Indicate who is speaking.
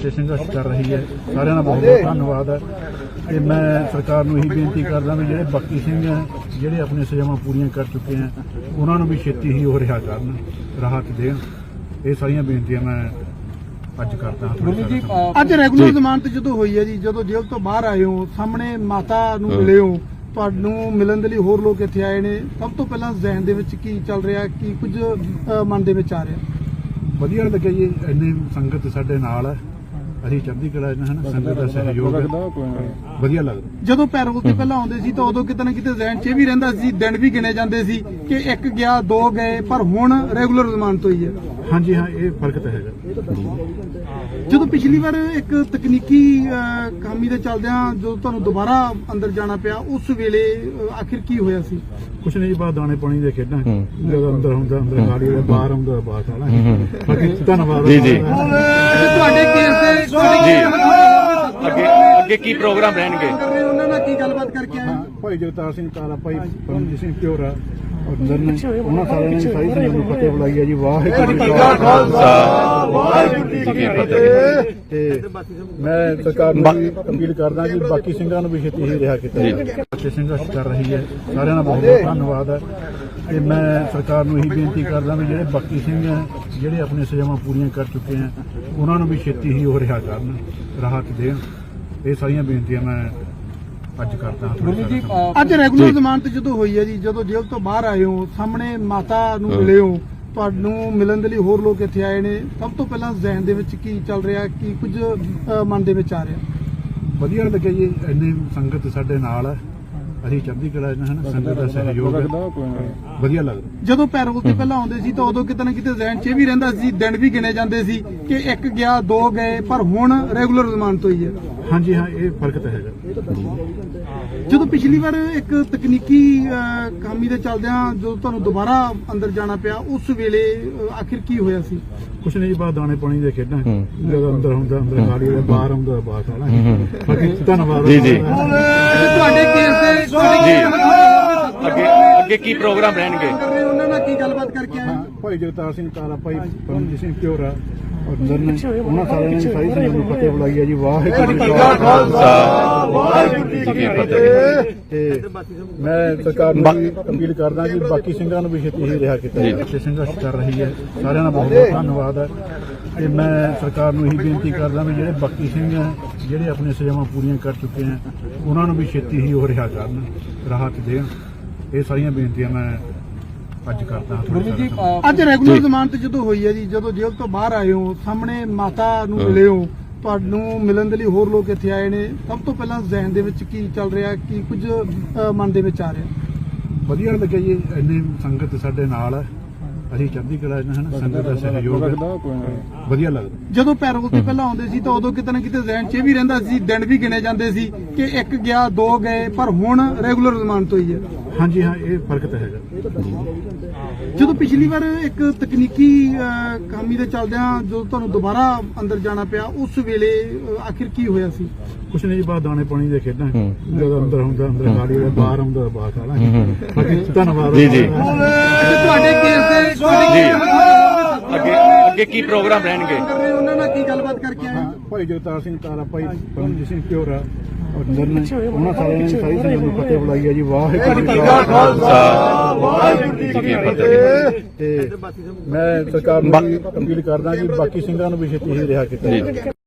Speaker 1: ਫਤਿਹ ਸੰਘਰਸ਼ ਕਰ ਰਹੀ ਹੈ। ਸਾਰਿਆਂ ਦਾ ਬਹੁਤ ਬਹੁਤ ਧੰਨਵਾਦ ਹੈ ਤੇ ਮੈਂ ਸਰਕਾਰ ਨੂੰ ਇਹੀ ਬੇਨਤੀ ਕਰਦਾ ਵੀ ਜਿਹੜੇ ਬਾਕੀ ਸਿੰਘ ਹੈ ਜਿਹੜੇ ਆਪਣੀਆਂ ਸਜ਼ਾਵਾਂ ਪੂਰੀਆਂ ਕਰ ਚੁੱਕੇ ਹੈ ਉਹਨਾਂ ਨੂੰ ਵੀ ਛੇਤੀ ਹੀ ਉਹ ਰਿਹਾ ਕਰਨ, ਰਾਹਤ ਦੇਣ। ਇਹ ਸਾਰੀਆਂ ਬੇਨਤੀਆਂ ਮੈਂ ਅੱਜ ਕਰਦਾ ਹਾਂ।
Speaker 2: ਅੱਜ ਰੈਗੂਲਰ ਜ਼ਮਾਨਤ ਜਦੋਂ ਹੋਈ ਹੈ ਜੀ, ਜਦੋਂ ਜੇਲ੍ਹ ਤੋਂ ਬਾਹਰ ਆਏ ਹੋ, ਸਾਹਮਣੇ ਮਾਤਾ ਨੂੰ ਮਿਲੇ ਹੋ, ਤੁਹਾਨੂੰ ਮਿਲਣ ਦੇ ਲਈ ਹੋਰ ਲੋਕ ਇੱਥੇ ਆਏ ਨੇ, ਸਭ ਤੋਂ ਪਹਿਲਾਂ ਜ਼ਿਹਨ ਦੇ ਵਿੱਚ ਕੀ ਚੱਲ ਰਿਹਾ, ਕੀ ਕੁਝ ਮਨ ਦੇ ਵਿੱਚ ਆ ਰਿਹਾ?
Speaker 1: ਵਧੀਆ ਲੱਗਿਆ ਜੀ, ਇੰਨੀ ਸੰਗਤ ਸਾਡੇ ਨਾਲ ਹੈ, ਅਸੀਂ ਚੜ੍ਹਦੀ ਕਲਾ ਚ ਹਨ, ਸੰਗਤ ਦਾ ਸਹਿਯੋਗ ਵਧੀਆ ਲੱਗਦਾ।
Speaker 2: ਜਦੋਂ ਪੈਰੋਲ ਤੇ ਪਹਿਲਾਂ ਆਉਂਦੇ ਸੀ ਤਾਂ ਉਦੋਂ ਕਿਤੇ ਨਾ ਕਿਤੇ ਜ਼ਿਹਨ 'ਚ ਇਹ ਵੀ ਰਹਿੰਦਾ ਸੀ, ਦਿਨ ਵੀ ਗਿਣੇ ਜਾਂਦੇ ਸੀ ਕਿ ਇੱਕ ਗਿਆ ਦੋ ਗਏ, ਪਰ ਹੁਣ ਰੈਗੂਲਰ ਜ਼ਮਾਨਤ ਹੋਈ ਹੈ।
Speaker 1: ਹਾਂਜੀ ਹਾਂ, ਇਹ ਫਰਕ ਤਾਂ ਹੈਗਾ।
Speaker 2: ਜਦੋਂ ਪਿਛਲੀ ਵਾਰ ਇੱਕ ਤਕਨੀਕੀ ਖਾਮੀ ਦੇ ਚੱਲਦਿਆਂ ਜਦੋਂ ਤੁਹਾਨੂੰ ਦੁਬਾਰਾ ਅੰਦਰ ਜਾਣਾ ਪਿਆ, ਉਸ ਵੇਲੇ ਆਖਿਰ ਕੀ ਹੋਇਆ ਸੀ?
Speaker 1: ਕੁਛ ਨਹੀਂ ਜੀ, ਬਾਹਰ ਦਾਣੇ ਪਾਣੀ ਦੇ ਖੇਡਾਂ, ਜਦੋਂ ਅੰਦਰ ਹੁੰਦਾ ਅੰਦਰ ਗਾੜੀ ਦੇ, ਬਾਹਰ ਆਉਂਦਾ ਬਾਹਰ ਸਾਲਾ। ਬਾਕੀ ਧੰਨਵਾਦ
Speaker 3: ਜੀ ਜੀ।
Speaker 2: ਤੁਹਾਡੇ ਕੇਸ ਦੇ
Speaker 3: ਅੱਗੇ ਕੀ ਪ੍ਰੋਗਰਾਮ ਰਹਿਣਗੇ?
Speaker 2: ਉਹਨਾਂ ਨਾਲ ਕੀ ਗੱਲਬਾਤ ਕਰਕੇ ਆਏ?
Speaker 1: ਭਾਈ ਜਗਤਾਰ ਸਿੰਘ ਤਾਰਾ, ਭਾਈ ਪਰਮਜੀਤ ਸਿੰਘ ਪਿਓਰਾ ਅੰਦਰ ਨੇ, ਉਹਨਾਂ ਸਾਰਿਆਂ ਨੇ ਸਾਰੀ ਸੰਗਤ ਨੂੰ ਫਤਿਹ ਬੁਲਾਈ ਹੈ ਜੀ। ਵਾਹਿਗੁਰੂ ਜੀ ਕਾ ਖਾਲਸਾ, ਵਾਹਿਗੁਰੂ ਜੀ ਕੀ ਫਤਿਹ। ਤੇ ਮੈਂ ਸਰਕਾਰ ਨੂੰ ਵੀ ਅਪੀਲ ਕਰਦਾ ਕਿ ਬਾਕੀ ਸਿੰਘਾਂ ਨੂੰ ਵੀ ਛੇਤੀ ਹੀ ਰਿਹਾ ਕੀਤਾ ਜਾਵੇ। ਫਤਿਹ ਸੰਘਰਸ਼ ਕਰ ਰਹੀ ਹੈ। ਸਾਰਿਆਂ ਦਾ ਬਹੁਤ ਬਹੁਤ ਧੰਨਵਾਦ ਹੈ ਤੇ ਮੈਂ ਸਰਕਾਰ ਨੂੰ ਇਹੀ ਬੇਨਤੀ ਕਰਦਾ ਵੀ ਜਿਹੜੇ ਬਾਕੀ ਸਿੰਘ ਹੈ ਜਿਹੜੇ ਆਪਣੀਆਂ ਸਜ਼ਾਵਾਂ ਪੂਰੀਆਂ ਕਰ ਚੁੱਕੇ ਹੈ ਉਹਨਾਂ ਨੂੰ ਵੀ ਛੇਤੀ ਹੀ ਉਹ ਰਿਹਾ ਕਰਨ, ਰਾਹਤ ਦੇਣ। ਇਹ ਸਾਰੀਆਂ ਬੇਨਤੀਆਂ ਮੈਂ ਅੱਜ ਕਰਦਾ ਹਾਂ।
Speaker 2: ਅੱਜ ਰੈਗੂਲਰ ਜ਼ਮਾਨਤ ਜਦੋਂ ਹੋਈ ਹੈ ਜੀ, ਜਦੋਂ ਜੇਲ੍ਹ ਤੋਂ ਬਾਹਰ ਆਏ ਹੋ, ਸਾਹਮਣੇ ਮਾਤਾ ਨੂੰ ਮਿਲੇ ਹੋ, ਤੁਹਾਨੂੰ ਮਿਲਣ ਦੇ ਲਈ ਹੋਰ ਲੋਕ ਇੱਥੇ ਆਏ ਨੇ, ਸਭ ਤੋਂ ਪਹਿਲਾਂ ਜ਼ਿਹਨ ਦੇ ਵਿੱਚ ਕੀ ਚੱਲ ਰਿਹਾ, ਕੀ ਕੁਝ ਮਨ ਦੇ ਵਿੱਚ ਆ ਰਿਹਾ? ਵਧੀਆ
Speaker 1: ਲੱਗਿਆ ਜੀ, ਇੰਨੀ ਸੰਗਤ ਸਾਡੇ ਨਾਲ ਹੈ, ਅਸੀਂ ਚੜ੍ਹਦੀ ਕਲਾ ਚ ਹਨ, ਸੰਗਤ ਦਾ ਸਹਿਯੋਗ ਵਧੀਆ ਲੱਗਦਾ।
Speaker 2: ਜਦੋਂ ਪੈਰੋਲ ਤੇ ਪਹਿਲਾਂ ਆਉਂਦੇ ਸੀ ਤਾਂ ਉਦੋਂ ਕਿਤੇ ਨਾ ਕਿਤੇ ਜ਼ਿਹਨ 'ਚ ਇਹ ਵੀ ਰਹਿੰਦਾ ਸੀ, ਦਿਨ ਵੀ ਗਿਣੇ ਜਾਂਦੇ ਸੀ ਕਿ ਇੱਕ ਗਿਆ ਦੋ ਗਏ, ਪਰ ਹੁਣ ਰੈਗੂਲਰ ਜ਼ਮਾਨਤ ਹੋਈ ਹੈ।
Speaker 1: ਹਾਂਜੀ ਹਾਂ, ਇਹ ਫਰਕ ਤਾਂ ਹੈਗਾ।
Speaker 2: ਜਦੋਂ ਪਿਛਲੀ ਵਾਰ ਇੱਕ ਤਕਨੀਕੀ ਖਾਮੀ ਦੇ ਚੱਲਦਿਆਂ ਜਦੋਂ ਤੁਹਾਨੂੰ ਦੁਬਾਰਾ ਅੰਦਰ ਜਾਣਾ ਪਿਆ, ਉਸ ਵੇਲੇ ਆਖਿਰ ਕੀ ਹੋਇਆ ਸੀ?
Speaker 1: ਕੁਛ ਨਹੀਂ ਜੀ, ਬਾਹਰ ਦਾਣੇ ਪਾਣੀ ਦੇ ਖੇਡਾਂ, ਜਦੋਂ ਅੰਦਰ ਹੁੰਦਾ ਅੰਦਰ ਗਾੜੀ ਦੇ, ਬਾਹਰ ਆਉਂਦਾ ਬਾਹਰ ਸਾਲਾ। ਬਾਕੀ ਧੰਨਵਾਦ
Speaker 3: ਜੀ ਜੀ।
Speaker 2: ਤੁਹਾਡੇ ਕੇਸ ਦੇ
Speaker 3: ਅੱਗੇ ਕੀ ਪ੍ਰੋਗਰਾਮ ਰਹਿਣਗੇ?
Speaker 2: ਉਹਨਾਂ ਨਾਲ ਕੀ ਗੱਲਬਾਤ ਕਰਕੇ ਆਏ?
Speaker 1: ਭਾਈ ਜਗਤਾਰ ਸਿੰਘ ਤਾਰਾ, ਭਾਈ ਪਰਮਜੀਤ ਸਿੰਘ ਪਿਓਰਾ ਅੰਦਰ ਨੇ, ਉਹਨਾਂ ਸਾਰਿਆਂ ਨੇ ਸਾਰੀ ਸੰਗਤ ਨੂੰ ਫਤਿਹ ਬੁਲਾਈ ਹੈ ਜੀ। ਵਾਹਿਗੁਰੂ ਜੀ ਕਾ ਖਾਲਸਾ, ਵਾਹਿਗੁਰੂ ਜੀ ਕੀ ਫਤਿਹ। ਤੇ ਮੈਂ ਸਰਕਾਰ ਨੂੰ ਵੀ ਅਪੀਲ ਕਰਦਾ ਕਿ ਬਾਕੀ ਸਿੰਘਾਂ ਨੂੰ ਵੀ ਛੇਤੀ ਹੀ ਰਿਹਾ ਕੀਤਾ ਜਾਵੇ। ਫਤਿਹ ਸੰਘਰਸ਼ ਕਰ ਰਹੀ ਹੈ। ਸਾਰਿਆਂ ਦਾ ਬਹੁਤ ਬਹੁਤ ਧੰਨਵਾਦ ਹੈ ਤੇ ਮੈਂ ਸਰਕਾਰ ਨੂੰ ਇਹੀ ਬੇਨਤੀ ਕਰਦਾ ਵੀ ਜਿਹੜੇ ਬਾਕੀ ਸਿੰਘ ਹੈ ਜਿਹੜੇ ਆਪਣੀਆਂ ਸਜ਼ਾਵਾਂ ਪੂਰੀਆਂ ਕਰ ਚੁੱਕੇ ਹੈ ਉਹਨਾਂ ਨੂੰ ਵੀ ਛੇਤੀ ਹੀ ਉਹ ਰਿਹਾ ਕਰਨ, ਰਾਹਤ ਦੇਣ। ਇਹ ਸਾਰੀਆਂ ਬੇਨਤੀਆਂ ਮੈਂ ਅੱਜ ਕਰਦਾ ਹਾਂ।
Speaker 2: ਅੱਜ ਰੈਗੂਲਰ ਜ਼ਮਾਨਤ ਜਦੋਂ ਹੋਈ ਹੈ ਜੀ, ਜਦੋਂ ਜੇਲ੍ਹ ਤੋਂ ਬਾਹਰ ਆਏ ਹੋ, ਸਾਹਮਣੇ ਮਾਤਾ ਨੂੰ ਮਿਲੇ ਹੋ, ਤੁਹਾਨੂੰ ਮਿਲਣ ਦੇ ਲਈ ਹੋਰ ਲੋਕ ਇੱਥੇ ਆਏ ਨੇ, ਸਭ ਤੋਂ ਪਹਿਲਾਂ ਜ਼ਿਹਨ ਦੇ ਵਿੱਚ ਕੀ ਚੱਲ ਰਿਹਾ, ਕੀ ਕੁਝ ਮਨ ਦੇ ਵਿੱਚ ਆ ਰਿਹਾ? ਵਧੀਆ
Speaker 1: ਲੱਗਿਆ ਜੀ, ਇੰਨੀ ਸੰਗਤ ਸਾਡੇ ਨਾਲ ਹੈ, ਅਸੀਂ ਚੜ੍ਹਦੀ ਕਲਾ ਚ ਹਨ, ਸੰਗਤ ਦਾ ਸਹਿਯੋਗ ਵਧੀਆ ਲੱਗਦਾ।
Speaker 2: ਜਦੋਂ ਪੈਰੋਲ ਤੇ ਪਹਿਲਾਂ ਆਉਂਦੇ ਸੀ ਤਾਂ ਉਦੋਂ ਕਿਤੇ ਨਾ ਕਿਤੇ ਜ਼ਿਹਨ 'ਚ ਇਹ ਵੀ ਰਹਿੰਦਾ ਸੀ, ਦਿਨ ਵੀ ਗਿਣੇ ਜਾਂਦੇ ਸੀ ਕਿ ਇੱਕ ਗਿਆ ਦੋ ਗਏ, ਪਰ ਹੁਣ ਰੈਗੂਲਰ ਜ਼ਮਾਨਤ ਹੋਈ ਹੈ।
Speaker 1: ਹਾਂਜੀ ਹਾਂ, ਇਹ ਫਰਕ ਤਾਂ ਹੈਗਾ।
Speaker 2: ਜਦੋਂ ਪਿਛਲੀ ਵਾਰ ਇੱਕ ਤਕਨੀਕੀ ਖਾਮੀ ਦੇ ਚੱਲਦਿਆਂ ਜਦੋਂ ਤੁਹਾਨੂੰ ਦੁਬਾਰਾ ਅੰਦਰ ਜਾਣਾ ਪਿਆ, ਉਸ ਵੇਲੇ ਆਖਿਰ ਕੀ ਹੋਇਆ ਸੀ?
Speaker 1: ਕੁਛ ਨਹੀਂ ਜੀ, ਬਾਹਰ ਦਾਣੇ ਪਾਣੀ ਦੇ ਖੇਡਾਂ, ਜਦੋਂ ਅੰਦਰ ਹੁੰਦਾ ਅੰਦਰ ਗਾੜੀ ਦੇ, ਬਾਹਰ ਆਉਂਦਾ ਬਾਹਰ ਸਾਲਾ। ਬਾਕੀ ਧੰਨਵਾਦ
Speaker 3: ਜੀ ਜੀ।
Speaker 2: ਤੁਹਾਡੇ ਕੇਸ ਦੇ
Speaker 3: ਅੱਗੇ ਕੀ ਪ੍ਰੋਗਰਾਮ ਰਹਿਣਗੇ?
Speaker 2: ਉਹਨਾਂ ਨਾਲ ਕੀ ਗੱਲਬਾਤ ਕਰਕੇ ਆਏ?
Speaker 1: ਭਾਈ ਜਗਤਾਰ ਸਿੰਘ ਤਾਰਾ, ਭਾਈ ਪਰਮਜੀਤ ਸਿੰਘ ਪਿਓਰਾ ਅੰਦਰ ਨੇ, ਉਹਨਾਂ ਸਾਰਿਆਂ ਨੇ ਸਾਰੀ ਸੰਗਤ ਨੂੰ ਫਤਿਹ ਬੁਲਾਈ ਹੈ ਜੀ। ਵਾਹਿਗੁਰੂ ਜੀ ਕਾ ਖਾਲਸਾ, ਵਾਹਿਗੁਰੂ ਜੀ ਕੀ ਫਤਿਹ। ਤੇ ਮੈਂ ਸਰਕਾਰ ਨੂੰ ਵੀ ਅਪੀਲ ਕਰਦਾ ਕਿ ਬਾਕੀ ਸਿੰਘਾਂ ਨੂੰ ਵੀ ਛੇਤੀ ਹੀ ਰਿਹਾ ਕੀਤਾ ਜਾਵੇ।